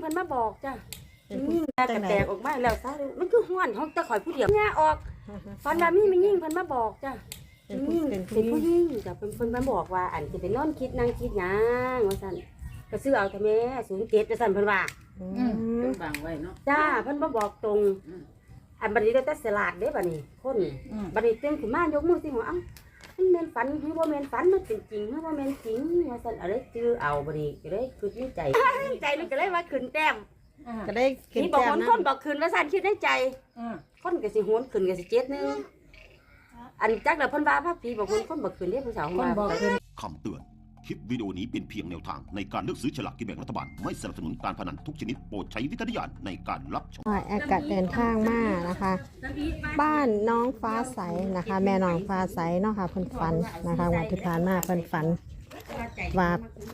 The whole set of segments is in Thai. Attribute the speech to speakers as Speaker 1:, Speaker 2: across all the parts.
Speaker 1: พิ่นมาบอกจ้ะกระแตกออกมาแล้วซะมันคือห้วนของตะข่อยผู้เดียวเนี่ยออกฟันว่ามียิ่งเพิ่นมาบอกจ้ะเป็นผู้ยิ่งจ้ะเพิ่นมาบอกว่าอันสิไปนอนคิดนั่งคิดหยังว่าซั่นก็ซื้อเอาเถอะแม่07ว่าซั่นเพิ่นว่า
Speaker 2: เพิ่นบังไว้เนาะ
Speaker 1: จ้าเพิ่นมาบอกตรงอันบัดนี้ได้แต่สลาดเด้บัดนี้คนบัดนี้ตื่นขึ้นมายกมือสิหัวเอ้ามันแม่นฝันหรือบ่แม่นฝันมันเป็นจริงหรือบ่แม่นจริงว่าซั่นอะไรจื้อเอาบัดนี้ก็เลยคิดในใจใจมันก็เลยว่าขึ้นแต้ม
Speaker 3: ก็ได้ขึ้น
Speaker 1: แต้มนะคนบอกขึ้นว่าซั่นคิดในใจคนก็สิโหนขึ้นก็สิ7นึงอันจักแล้วเพิ่นว่าพระผีบอกคนบอกขึ้นเด้ผู้สาวว่า
Speaker 4: คำเตือนคลิปวิดีโอนี้เป็นเพียงแนวทางในการเลือกซื้อฉลากกินแบ่งรัฐบาลไม่สนับสนุนการพนันทุกชนิดโปรดใช้วิจารณญาณในการรับชม
Speaker 3: แอดกัดเดินทางมานะคะ บ้านน้องฟ้าใสนะคะ แม่น้องฟ้าใสเนาะค่ะเพิ่นฝันนะคะวันที่ผ่านมาเพิ่นฝันว่า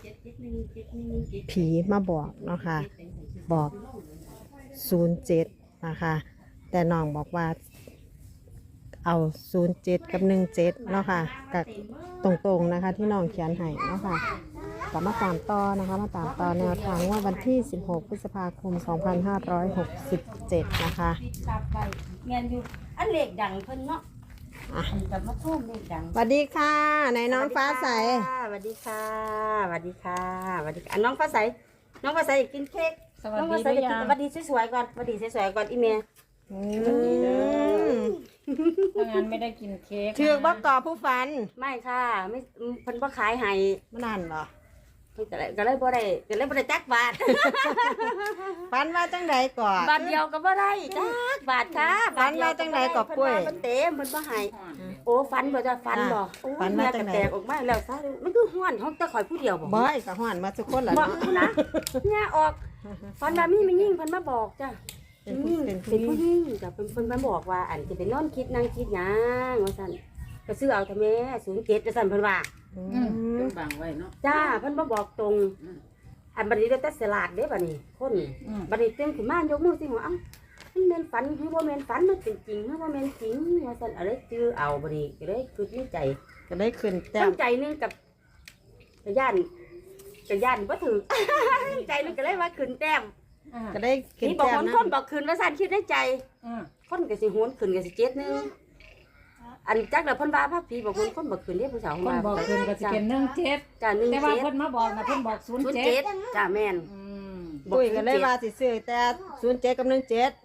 Speaker 3: ผีมาบอกเนาะค่ะบอก07นะคะแต่น้องบอกว่าเอา07กับ17เนาะค่ะกับตรงๆนะคะที่น้องเขียนให้เนาะค่ะกลับมาตามต่อนะคะมาตามต่อแนวทางว่าวันที่16พฤษภาคม2567นะคะ
Speaker 1: แม่นอยู่อันเลขดังเพิ่นเนาะกับมาโทษเลขดัง
Speaker 3: สวัสดีค่ะในน้องฟ้าใส
Speaker 1: สวัสดีค่ะสวัสดีค่ะสวัสดีค่ะน้องฟ้าใสน้องฟ้าใสอยากกินเค้กน้องฟ้าใสอยากกินสวัสดีสวยๆก่อนสวัสดีสวยๆก่อนอีเมย์
Speaker 2: ถ้างั้นไม่ได้กินเค้ก
Speaker 3: ชื่อบอกต่อผู้ฝัน
Speaker 1: ไม่ค่ะไม่เพิ่นบ่ขายให้
Speaker 3: มานานเหรอ
Speaker 1: เพิ่นก็เลยบ่ได้จักบาท
Speaker 3: ฝันว่าจังใดก่อน
Speaker 1: บาทเดียวก็บ่ได้จักบาทค่ะ
Speaker 3: ฝันว่าจังใดก่อป่วย
Speaker 1: เพิ่นเต็มเพิ่นบ่ให้โอ้ฝันบ่จะฝันบ่
Speaker 3: ฝันว่าจังใด
Speaker 1: แตกออกมาแล้วซะมันคือห้วนของตะข่อยผู้เดียวบ่
Speaker 3: บ่ก็ห้วนมาทุกคนล่ะ
Speaker 1: บ่นะเนี่ยออกฝันว่ามียิ่งเพิ่นมาบอกจ้ะเป็นผู้ยิ่งจ้ะเพิ่นมาบอกว่าอันสิไปนอนคิดนั่งคิดหยังว่าซั่นก็ซื้อเอาเถอะแม่07ว่าซั่นเพิ่นว่า
Speaker 2: เพิ่นบังไว้เนาะ
Speaker 1: จ้าเพิ่นมาบอกตรงอันบัดนี้ได้แต่สลาดเด้บัดนี้คนบัดนี้ตื่นขึ้นมายกมือสิหัวเอ้ามันแม่นฝันหรือบ่แม่นฝันมันเป็นจริงหรือบ่แม่นจริงว่าซั่นอะไรจื้อเอาบัดนี้ก็เลยคิดในใจ
Speaker 3: ก็ได้ขึ้นแต้ม
Speaker 1: ใจนึงกับย่านบ่ถูกใจนึงก็เลยว่าขึ้นแต้ม
Speaker 3: ก็ได้ขึ้นแต้ม
Speaker 1: นะคนบอกขึ้นว่าซั่นคิดในใจคนก็สิโหนขึ้นก็สิ7นึงอันจักแล้วเพิ่นว่าพระผีบอกคนบอกขึ้นเด้ผู้สาว
Speaker 2: ว่าคนบอกขึ้นก็สิเป็น17
Speaker 1: จ้ะ17
Speaker 2: แต่ว่าเพิ่นมาบอกนะเพิ่นบอก
Speaker 1: 07จ้ะแม่น
Speaker 3: ปุ้ยก็เลยว่าสิซื้อแต่07กับ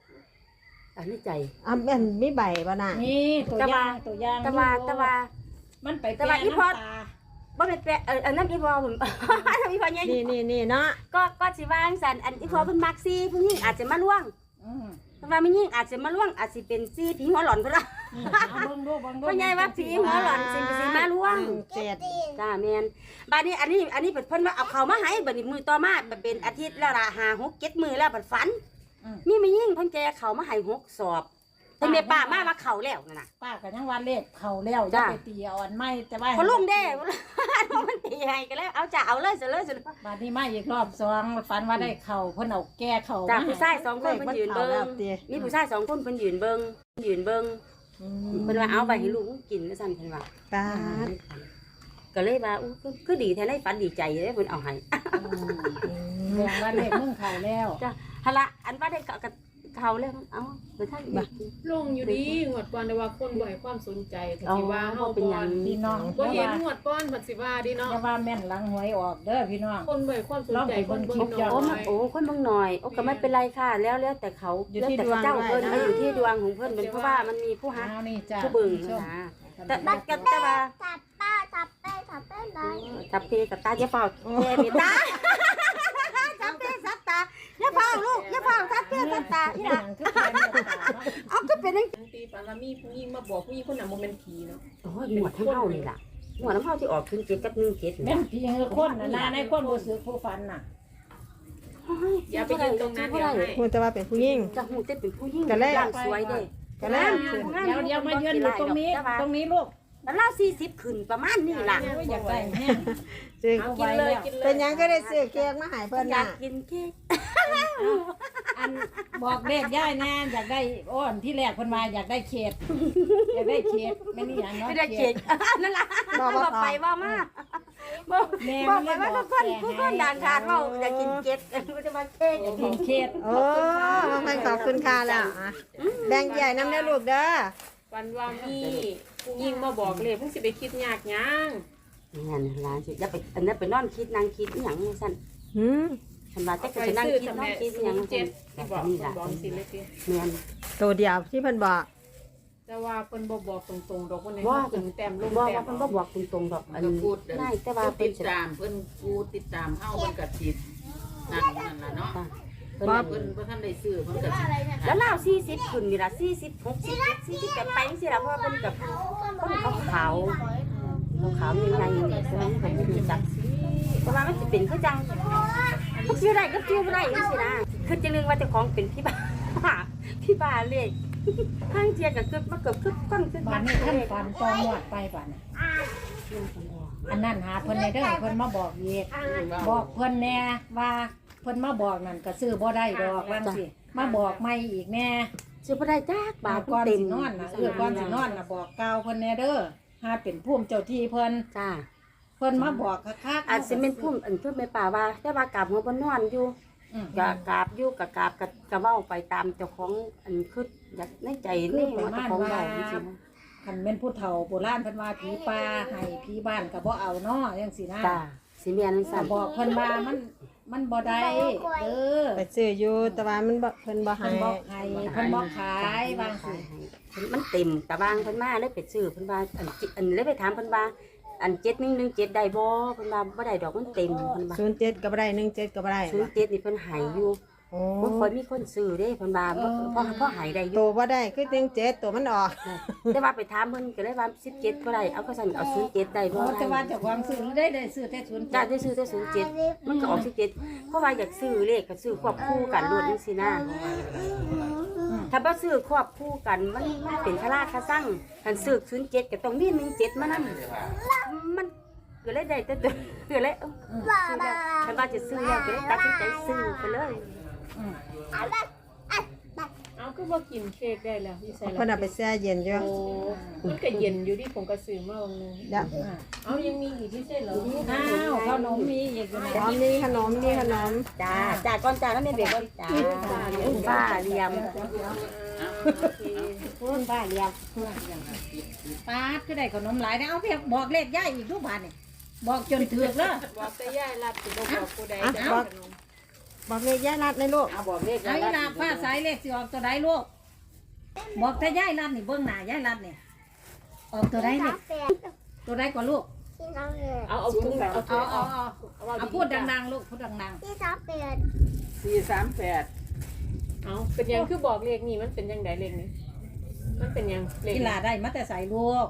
Speaker 3: 17
Speaker 1: อันนี้ใจ
Speaker 3: แม่นมีใบบ่น่ะ
Speaker 2: นี่ตัวอย่าง
Speaker 1: ตะว่า
Speaker 2: มันไปแปะน้ำตา
Speaker 1: บ่เป็นแปะอันนั้นอีพอผมอีพอใหญ่
Speaker 3: นี่เนาะ
Speaker 1: ก็สิว่าจังซั่นอันอีพอเพิ่นมักซี่ผู้หญิงอาจจะมาล่วงแต่ว่าไม่ยิ่งอาจจะมาล่วงอาจสิเป็นซี่ผีหัวหลอนพุ่นล่ะ
Speaker 2: เบิ่งดู
Speaker 1: พ่อใหญ่ว่าผีหัวหลอนสิมาล่วงจ้าแม่นบัดนี้อันนี้เพิ่นว่าเอาเข้ามาให้บัดนี้มื้อต่อมาเป็นอาทิตย์แล้วล่ะ5 6 7มื้อแล้วบัดฝันมีไม่ยิ่งเพิ่นแกเข้ามาให้6 สอบแต่แม่ป้ามาว่าเข้าแล้วนั่นน่ะ
Speaker 2: ป้าก็ยังว่าเลขเข้าแล้วจะไปตีเอาอันใหม่แต่ว่า
Speaker 1: พอลุงเด้มันตีให้ก็แล้วเอาจ้ะเอาเลย
Speaker 2: บัดนี้มาอีกรอบ2ฝันว่าได้เข้าเพิ่นเอาแก้เข้า
Speaker 1: จ้ะผู้ชาย2คนเพิ่นยืนเบิ่งมีผู้ชาย2คนเพิ่นยืนเบิ่งเพิ่นว่าเอาไปให้ลูกกินแล้วซั่นเพิ่นว่า
Speaker 3: ป้า
Speaker 1: ก็เลยว่าคือดีแท้ได้ฝันดีใจเลยเพิ่นเอาให้
Speaker 2: เรื่องว่าเลขมึงเข้าแล้ว
Speaker 1: จ้ะหั่นล่ะอันว่าได้เขาแล้วเอาไปทางอีก
Speaker 5: ลงอยู่ดีหวดก่อนแต่ว่าคนบ่ให้ความสนใจสิว่าเฮา
Speaker 1: เป็นหยัง
Speaker 2: พี่น้อง
Speaker 5: บ่เห็นหวดก่อนเพิ่นสิว่าดิเนาะ
Speaker 2: แต่ว่าแม่นหลังหวยออกเด้อพี่น้อง
Speaker 5: คนบ่ให้ความสนใจคนเบิ่งน้อย
Speaker 1: คนเบิ่งน้อยก็ไม่เป็นไรค่ะแล้วแต่เขาแล้วแต่เจ้าเพิ่นอยู่ที่ดวงของเพิ่นเป็นเพราะว่ามันมีผู้ฮักผู้บึงนะแต่บัดกับแต่ว่าทับตาอย่าเฝ้าแม่มีตาทับตาอย่าเฝ้าลูกอย่าเฝ้าทับตาอีหล่ะเอาก็เป็นจัง
Speaker 5: ตีฝันว่ามีผู้หญิงมาบอกผู้หญิงคนนั้นบ่แม่นผีเนาะ
Speaker 1: โอ้ยหมวดทั้งเฮานี่ล่ะหมวดน้ำเฮาที่ออกขึ้น7กับ17
Speaker 2: แม่นผีคนน่ะในคนบ่สึกผู้ฝันน่ะ
Speaker 5: อย่าไปยืนตรงนั้นเดี๋ยวให้
Speaker 3: ฮู้แต่ว่าเป็นผู้หญิง
Speaker 1: จะฮู้แต่เป็นผู้หญิงร่างสวยเด้
Speaker 3: ก็แล้ว
Speaker 2: เดี๋ยวมายืนอยู่ตรงนี้ลูก
Speaker 1: แล้วเรา40ขึ้นประมาณนี้ล่ะ
Speaker 2: อยากได้แฮง
Speaker 3: ซื้อ
Speaker 1: กินเลย
Speaker 3: เป็นหยังก็ได้ซื้อเค้กมาให้เพิ่นน่ะ
Speaker 1: อยากกินเค้ก
Speaker 2: อันบอกเลขย่ายแน่อยากได้อ้อนที่แรกเพิ่นมาอยากได้เค้กแม่นี่หยังเนาะ
Speaker 1: ไม่ได้เค้กนั่นล่ะบอกไปว่ามา
Speaker 2: แม่
Speaker 1: บอ
Speaker 2: มั
Speaker 1: ก
Speaker 2: น
Speaker 1: ไป
Speaker 2: เลยบ
Speaker 1: ว่า
Speaker 2: อก
Speaker 1: ทุกคนด่านขาดว่าอยากกินเก็ดมันจะมาเค้ก
Speaker 2: กินเขต
Speaker 3: โอ้บางคนขอบคุณค่ะแล้วอ่ะแบ่งใหญ่น้ำเด้อลูกเด้อ
Speaker 5: วันว่ามีผู้หญิงมาบอกเลยเพิ่งสิไปคิดยากยัง
Speaker 1: งั้นร้านสิอย่าไปอันนั้นไปนอนคิดนั่งคิดอหย่างนี้สั่น
Speaker 3: หืม
Speaker 1: ฉันว่าจะไปนั่งคิดนอนคิดอหย่าง
Speaker 5: เจ็
Speaker 1: สั่
Speaker 5: ด
Speaker 1: น
Speaker 5: ที่บอก
Speaker 1: นี่ล่ะ
Speaker 5: บอกสิเลยสิ
Speaker 1: แม่น
Speaker 3: ตัวเดียวที่เพิ่นบอก
Speaker 5: แต่ว่าเพิ่นบ่บอกตรงๆดอกคนไหน
Speaker 1: ว่า
Speaker 5: ถึงแต้มลง
Speaker 1: ว่า
Speaker 5: แต้ม
Speaker 1: มันก็บอกตรงๆดอกอัน
Speaker 6: ก็
Speaker 1: นี้
Speaker 6: พูด
Speaker 1: ง่ายแต่ว่า
Speaker 6: ผู้
Speaker 1: เป็
Speaker 6: ติ
Speaker 1: น
Speaker 6: ด
Speaker 1: สิ
Speaker 6: ตามเพิ่นผู้ติดตามเฮาเพิ่นก็ติดนั่นล่ะเนาะ
Speaker 1: เพิ่น
Speaker 6: เพิ่นบ่ทันได้ซื้อเพิ่นก็สิ
Speaker 1: แล้วเรา40ขึ้นนี่ล่ะ40 60 40ไปจังซี่ล่ะเพราะว่าเพิ่นกับคนขาวๆขาวๆใหญ่ๆใช่ไหมเพิ่นไม่รู้จักแต่ว่ามันสิเป็นคือจังมันสิได้ก็ชื่อบ่ได้จังซี่นะคือจังนึงว่าเจ้าของเป็นพี่บ้าพี่บ้าเลขทางเทียก็เกือบมาเกือบคึกก้นคึก
Speaker 2: บ้านนี้ท่านฝันตองหวดไปบ้านน่ะอันนั้นหาเพิ่นในเด้อเพิ่นมาบอกอีกบอกเพิ่นแน่ว่าเพิ่นมาบอกนั่นก็ซื้อบ่ได้ดอกว่าสิมาบอกใหม่อีกแน่
Speaker 1: ซื้อบ่ได้จักบาท
Speaker 2: ก่อน
Speaker 1: เต็ม
Speaker 2: สินอนน่ะก่อนสินอนน่ะบอกกล่าวเพิ่นแน่เด้อหาเป็นภูมิเจ้าที่เพิ่น
Speaker 1: จ้า
Speaker 2: เพิ่นมาบอกคักๆ
Speaker 1: อาจสิเป็นพุ่มอันเพิ่นแม่ป่าว่าแต่ว่ากราบหัวบ่นอนอยู่
Speaker 2: อืม
Speaker 1: กราบอยู่กราบก็เว้าไปตามเจ้าของอันคืออยากในใจนี่ว่าเจ้าของเว้าจริง
Speaker 2: คันแม่นผู้เฒ่าโบราณเพิ่นว่าผีป่าให้ผีบ้านก็บ่เอาเนาะจังซี่นะ
Speaker 1: ๆจ้าสิแม่นสั่
Speaker 2: ก็
Speaker 1: น
Speaker 2: บอกเพิ่นว่ามันบ่ได้เด้อ
Speaker 3: ไปซื้ออยู่แต่ว่ามันบ่เพิ่นบ่ให้
Speaker 2: เพิ่นบอกให้เพิ่นบอกขายบางสิ
Speaker 1: มันเต็มกะบางเพิ่นมาเลยไปซื้อเพิ่นว่าอันเลยไปถามเพิ่นว่าอัน7117ได้บ่เพิ่นว่าบ่ได้ดอกมันเต็มเพิ่นว่า
Speaker 3: 07ก็บ่ได้17ก็บ่ได้
Speaker 1: 07นี่เพิ่นให้อยู่
Speaker 3: โอ้
Speaker 1: บ่ค่อยมีคนซื้อเด้เพิ่นว่าพอให้ได้อ
Speaker 3: ตั
Speaker 1: ยู่
Speaker 3: วบ่ได้คือ17ตัวมันออก
Speaker 1: แต่ว่าไปถามเพิ่นก็เลยว่า17บ่ได้เอาก็สั่นเอา07ได้บ่
Speaker 2: โอ้แต่ว่าเจ้าของซื้อได้ซื้อแต่ศูนย์
Speaker 1: จ้าได้ซื้อแต่07มันก็ออก17เพราะว่าอยากซื้อเลขก็ซื้อควบคู่กันรวดจังซี่นะถ้าบ่ซื้อควบคู่กันมันเป็นคาราคาซังคันซื้อ07ก็ต้องมี17มานำมันก็เลยได้แต่ตัวก็เลยซื้อแล้วคันว่าจะซื้อแล้วก็เลยตัดสินใจซื้อไปเลย
Speaker 5: เอาก็บ่กินเค้กได้แล้วพี่ใส่
Speaker 3: เพิ่นเอาไปแช่เย็นอยู่
Speaker 5: โอ้มันก็เย็นอยู่ที่ผมก็ซื้อมาวันนึง
Speaker 3: เดี๋ยว
Speaker 5: เอายังมีอีกพี่ใช่เหรอ
Speaker 2: อ้าวขนมมีอีกอยู่
Speaker 3: พร้อมนี่ขนมนี่ขนม
Speaker 1: จ้าก่อนจ้าแล้วแม่เบกก่อนจ้าป้าเรียม
Speaker 2: พูนบ้าเรียบปาดคือได้ขนมหลายนะเอาเพียงบอกเลขย่ายอีกทุกบาทนี่บอกจนถึกแล้ว
Speaker 5: บอกแต่ย่ายรับสิบ่บอกผู้ใดจะ
Speaker 3: บอกเลยย่ารัดในลูก
Speaker 1: เอาบอกเลข
Speaker 2: ไอ้ลาผ้าสายเลขสิออกตัวใดลูกบอกแต่ย่ายรัดนี่เบื้องหน้าย่ายรัดนี่ออกตัวใดนี่ตัวใดกว่าลูก
Speaker 5: เอาถุงเอา
Speaker 2: เอาพูดดังๆลูกพูดดัง
Speaker 6: 438
Speaker 5: เอาเป็นยังคือบอกเลขนี่มันเป็นยังไดเลขนี้มันเป็นยัง
Speaker 2: ๆ
Speaker 5: เลข
Speaker 2: กีฬาได้มาแต่ใส่ลูก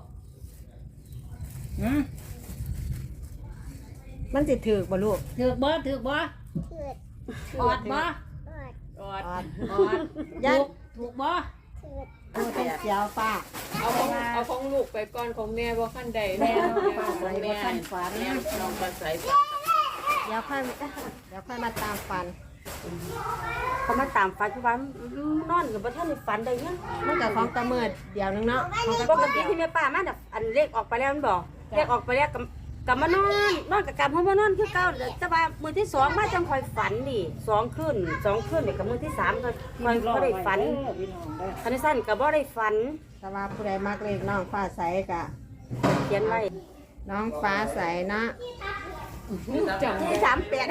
Speaker 3: มันสิถือกบ่ลูก
Speaker 2: ถือกบ่ออดบ่
Speaker 5: ออด
Speaker 2: ออด
Speaker 3: ย่า
Speaker 2: ถูกบ่
Speaker 3: ดูเป็นเสียวป้า
Speaker 5: เอาของลูกไปก่อนของแม่บ่คันใด
Speaker 2: แม่
Speaker 5: แม่
Speaker 2: น้องป้าใส่บ่ทันฝัน
Speaker 6: แม่น้องปลาใส
Speaker 3: เดี๋ยวค่อยมาตามฟัน
Speaker 1: เขามาตามฝันทุกวันนอนกับบ่ทันได้ฝันได้ยัง
Speaker 3: มันกับของตะเมิดเดี๋ยวนึงเนาะของ
Speaker 1: ปกติที่แม่ป้ามาแบบอันเลขออกไปแล้วมันบอกเลขออกไปแล้วกับมานอนกับกลับห้องมานอนคือเก่าแต่ว่ามือที่2มาจังคอยฝันดิ2คืนเนี่ยกับมือที่3ก็คอยบ่ได้ฝันคันสั้นก็บ่ได้ฝัน
Speaker 3: แต่ว่าผู้ใดมักเลขน้องฟ้าใสกะ
Speaker 1: เขียนไว้
Speaker 3: น้องฟ้าใสนะ
Speaker 1: ที่38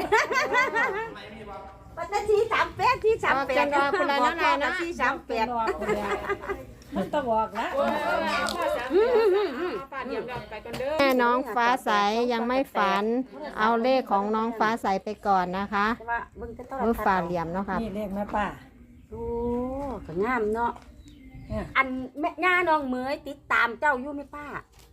Speaker 1: วันที่38ที่38บอกที่38
Speaker 2: มันต้องบอกแล้ว
Speaker 5: ป้าเดี๋ยวเราไปก่อนเด้อ
Speaker 3: แม่น้องฟ้าใสยังไม่ฝัน เอาเลขของน้องฟ้าใสไปก่อนนะคะ
Speaker 1: แต่ว่าเบิ่งแต่ตอน
Speaker 3: มือฝ่าเหลี่ยมเนาะค่ะ
Speaker 2: นี่เลขแม่ป้า
Speaker 1: โอ้ก็งามเนาะอันแม่ย่าน้องเหมยติดตามเจ้าอยู่ไหมป้า